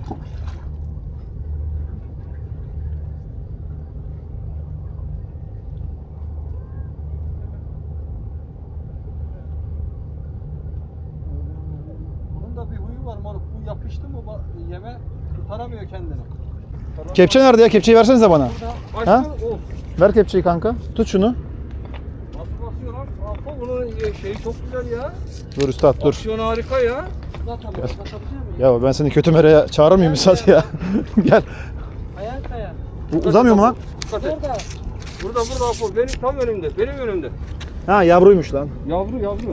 Bunun da bir huyu var moruk. Bu yapıştı mı yeme tutaramıyor kendini. Kepçe nerede ya? Kepçeyi versenize bana. Başka, Ha? Ver kepçeyi kanka. Tut şunu. Nasıl basıyor lan? Apo bunun şeyi çok güzel ya. Dur üstad dur. Aksiyon harika ya. Ya ben seni kötü mereye çağırır mıyım üstad ya? Gel. Ayağın kaya. Bu uzamıyor mu lan? Dikkat et. Orada. Burada Apo. Benim tam önümde. Benim önümde. Ha yavruymuş lan. Yavru.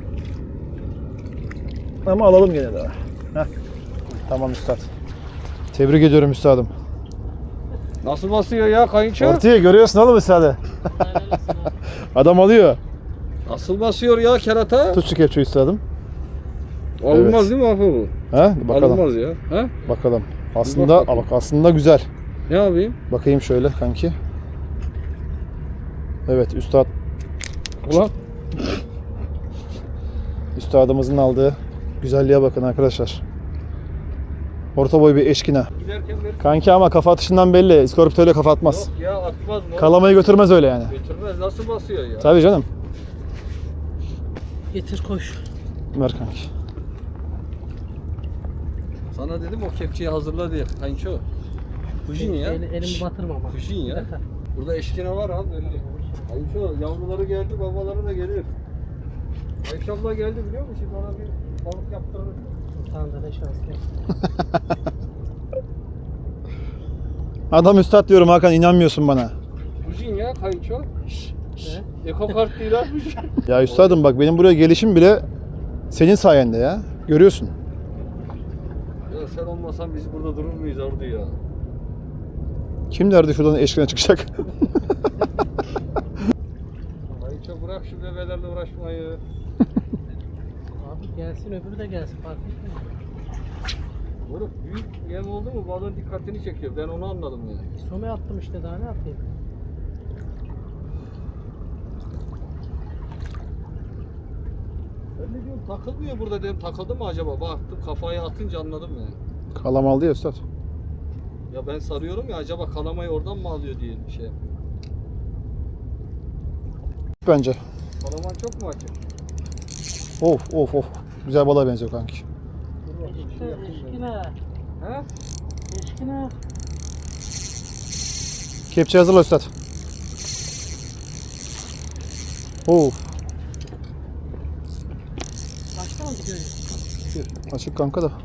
Ama alalım gene de. Heh. Tamam üstad. Tebrik ediyorum üstadım. Nasıl basıyor ya kayınço? Ortaya görüyorsun oğlum üstadı. Adam alıyor. Nasıl basıyor ya kerata? Tut şu kepçeyi üstadım. Alınmaz Evet. değil mi Apo bu? Ha? Bakalım. Alınmaz ya. Ha? Bakalım. Aslında bakayım. bak aslında güzel. Ne yapayım? Bakayım şöyle kanki. Evet üstad. Ulan. Üstadımızın aldığı güzelliğe bakın arkadaşlar. Orta boy bir eşkine. Giderken verir. Kanki ama kafa atışından belli. İskorpit öyle kafa atmaz. Yok ya atmaz mı? Kalamayı götürmez öyle yani. Götürmez. Nasıl basıyor ya? Tabii canım. Getir koş. Ver kanki. Sana dedim o kepçeyi hazırla diye. Kayınço. Fujin ya. Elimi batırma ama. Fujin ya. Burada eşkine var abi belli. Kayınço yavruları geldi, babaları da gelir. Ayşe abla geldi biliyor musun? Ona bir balık yaptırır. Tamam da ne şanslı. Adam üstad diyorum Hakan, inanmıyorsun bana. Fujin ya kayınço. Eko kart değil abi. Ya üstadım bak benim buraya gelişim bile senin sayende ya. Görüyorsun. Ya sen olmasan biz burada durur muyuz orada ya? Kim derdi şuradan eşkine çıkacak? Kayınço bırak şu bebelerle uğraşmayı. Abi gelsin öbürü de gelsin fark etmiyor. Moruk büyük yem oldu mu balığın dikkatini çekiyor. Ben onu anladım yani. Some attım işte daha ne yapayım? Ben ne diyorum takılmıyor burada dedim. Takıldı mı acaba? Baktım kafayı atınca anladım yani. Kalam aldı ya üstad. Ya ben sarıyorum ya acaba kalamayı oradan mı alıyor diye bir şey yapıyorum. Bence. Kalaman çok mu açık? Of of of. Güzel balığa benziyor kanki. Eşkine. He? Eşkine. Kepçe hazırla üstad. Of. Başka mı gidiyor? Açık kanka da.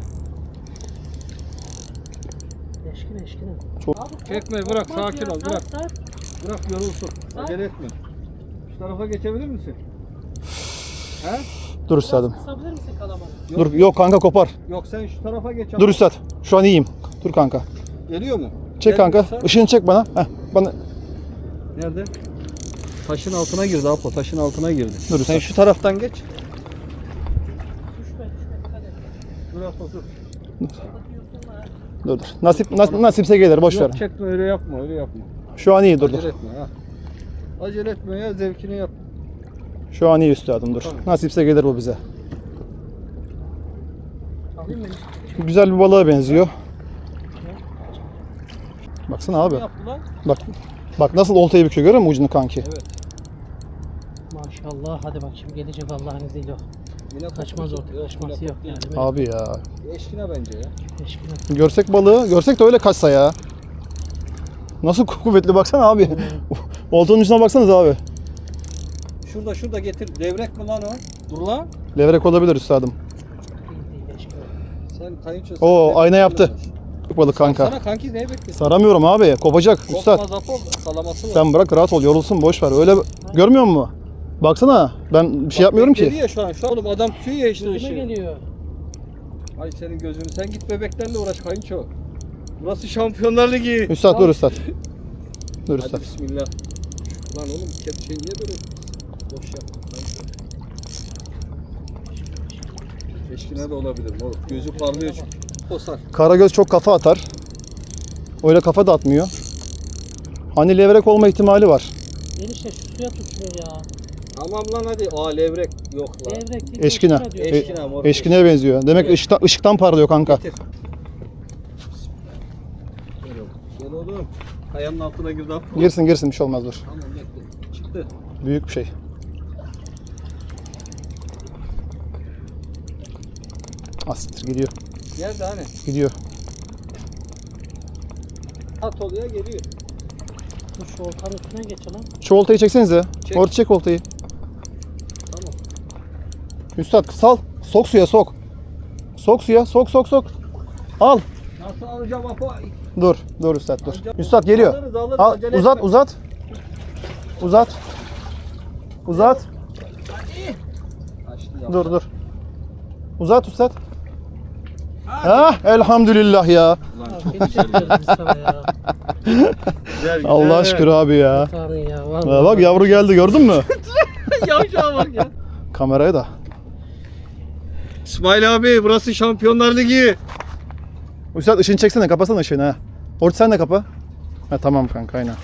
Eşkine eşkine. Çok. Abi, Çekme, bırak, korkma sakin ya, ol, bırak. sar. Bırak yorulsun. Acele etme. Şu tarafa geçebilir misin? He? Dur üstadım. Kısabilir misin kalamanı? Dur yok kanka kopar. Yok sen şu tarafa geç. Dur üstad. Şu an iyiyim. Dur kanka. Geliyor mu? Çek kanka. Gelmiyorsa- Işığını çek bana. Heh, bana. Nerede? Taşın altına girdi Apo. Taşın altına girdi. Dur Sen üstad. şu taraftan geç. Düşme düşme dikkat et. Dur Apo dur. Dur dur. Nasipse gelir boş ver. Yok çekme öyle yapma öyle yapma. Şu an iyi dur dur. Acele etme ha. Acele etme ya zevkini yap. Şu an iyi üstadım dur. Tamam. Nasipse gelir bu bize. Alayım mı? Güzel bir balığa benziyor. Baksana abi. Ne yaptı lan? Bak. Bak nasıl oltayı büküyor, görüyor musun ucunu kanki? Evet. Maşallah hadi bak şimdi gelecek Allah'ın izniyle. Yine Kaçmaz koptu. ortaya kaçması yok yani. Abi ya. Eşkine bence ya. Eşkine. Görsek balığı, görsek de öyle kaçsa ya. Nasıl kuvvetli baksana abi. Oltanın ucuna baksanıza abi. Şurada getir. Levrek mi lan o? Dur lan. Levrek olabilir üstadım. Değil değil eşkine. Sen kayınço. Oo, ayna yaptı. Balık kanka. Sana kanki neye bekliyorsun? Saramıyorum abi. Kopacak üstad. Kopmaz Apo. Salaması var. Sen bırak rahat ol, yorulsun boş ver. Öyle görmüyor musun? Baksana. Ben bir şey yapmıyorum Bekledi ki. ya şu an. Şu an oğlum adam tutuyor ya işte Gözüme ışığı. geliyor. Ay senin gözünü. Sen git bebeklerle uğraş kayınço. Burası Şampiyonlar Ligi. Üstad dur üstad. Dur Hadi üstad. bismillah. Lan oğlum kepçeyi niye böyle boş yaptın kayınço? Eşkine de olabilir oğlum. Gözü parlıyor çünkü. Posar. Karagöz çok kafa atar. Öyle kafa da atmıyor. Hani levrek olma ihtimali var. Enişte şu suya tut şunu ya. Tamam lan hadi. Aa levrek yok lan. Levrek değil. Eşkine. diyor. Eşkine mor. Eşkineye benziyor. Demek ışıktan parlıyor kanka. Getir. Oğlum. Ayağının altına girdi. Girsin girsin bir şey olmaz dur. Tamam bekle. Çıktı. Büyük bir şey. Asittir gidiyor. Geldi hani. Gidiyor. At oluyor geliyor. Dur şu oltanın üstüne geç lan. Şu oltayı çeksenize. Çek. Orta çek oltayı. Tamam. Üstad sal. Sok suya sok. Sok suya sok sok sok. Al. Nasıl alacağım Apo? Dur. Dur Üstad dur. Alacağım. Üstad geliyor. Alırız, Al, acele uzat etme. uzat. Uzat. Uzat. Açtı ya. Dur dur. Uzat Üstad. Ha elhamdülillah ya. Abi gelecek diyoruz biz sana ya. Güzel, güzel. Allah şükür abi ya. Tanrı ya. Ha, Vallahi. bak yavru geldi gördün mü? Yavşağa bak ya. Kameraya da. İsmail abi burası Şampiyonlar Ligi. Üstad ışığını çeksene kapasana ışığını ha. Orta sen de kapa. Ha tamam kanka aynen.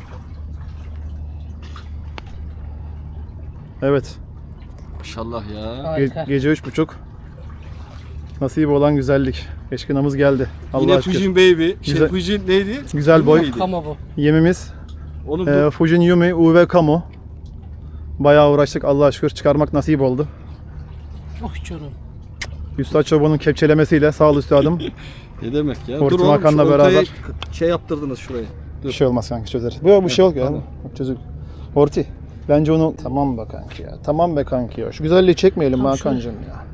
Evet. Maşallah ya. Harika. Gece 3.30. Nasip olan güzellik. Eşkınamız geldi. Yine Allah'a şükür. Fujin Baby. Güzel- Fujin neydi? Güzel boy. Neydi? Kama bu. Yemimiz Oğlum bu Fujin Yumi UV Camo. Bayağı uğraştık Allah'a şükür çıkarmak nasip oldu. Oh canım. Üstad Çoban'ın kepçelemesiyle sağ ol üstadım. ne demek ya? Hortum Dur oğlum şu Hakan'la oltayı beraber. şey yaptırdınız şuraya. Bir şey olmaz kanka çözeriz. Bu şey yok ya. tamam. Çözük. Orti. Bence onu tamam be kanki ya. Tamam be kanki ya. Şu güzelliği çekmeyelim Tamam, Hakan'cığım ya.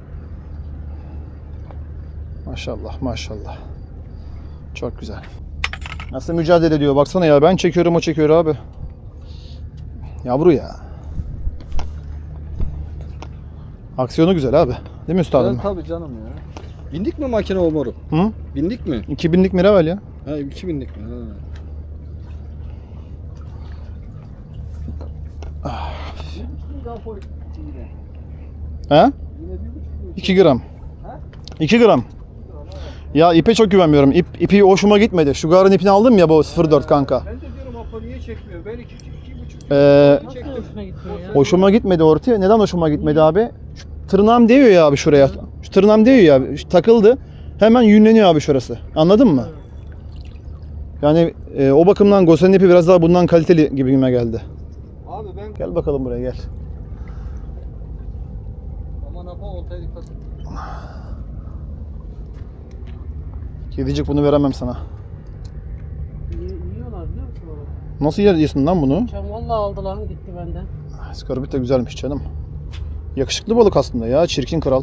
Maşallah maşallah. Çok güzel. Nasıl mücadele ediyor baksana ya. Ben çekiyorum o çekiyor abi. Yavru ya. Aksiyonu güzel abi. Değil mi üstadım? Evet, tabii canım ya. Bindik mi makine o moru? Hı? Bindik mi? 2000'lik Miravel ya. Ha 2000'lik mi? Ha. He? 2 gram. 2 gram. Ya ipe çok güvenmiyorum. İpi hoşuma gitmedi. Şu garın ipini aldım ya bu 04 kanka. Ben de diyorum Apo niye çekmiyor? Ben 2,5 Nasıl hoşuna gitmiyor ya? Hoşuma gitmedi ortaya. Neden hoşuma gitmedi abi? Şu tırnağım değiyor ya abi şuraya. Şu tırnağım değiyor ya abi. Takıldı. Hemen yünleniyor abi şurası. Anladın mı? Yani o bakımdan Gosen'in ipi biraz daha bundan kaliteli gibime geldi. Abi ben Gel bakalım buraya gel. aman Apo oltaya dikkat et. Kedicik bunu veremem sana. Yiyorlar biliyor musun onu? Nasıl yiyorsun lan bunu? Can vallahi aldı lan gitti benden. Skorbit de güzelmiş canım. Yakışıklı balık aslında ya. Çirkin kral.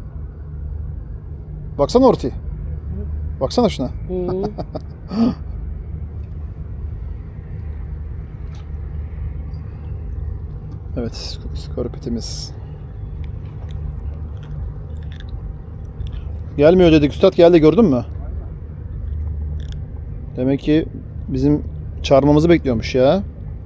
Baksana ortaya. Baksana şuna. Hı. Evet, skorpitimiz. Gelmiyor dedik. Üstad geldi gördün mü? Demek ki bizim çağırmamızı bekliyormuş ya.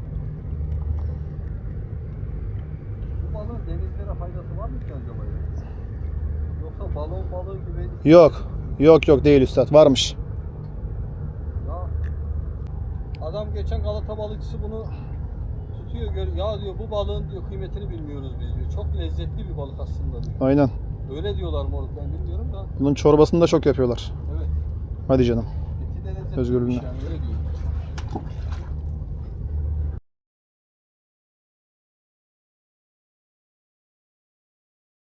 Bu balığın denizlere faydası var mı ki acaba ya? Yoksa balon balığı gibi Yok. Yok değil üstad. Varmış. ya adam geçen Galata balıkçısı bunu tutuyor ya diyor bu balığın diyor kıymetini bilmiyoruz biz diyor. Çok lezzetli bir balık aslında diyor. Aynen. Öyle diyorlar moruk ben bilmiyorum da. Bunun çorbasını da çok yapıyorlar. Evet. Hadi canım. Eti de lezzetli Özgürlüğüne. yani öyle diyor.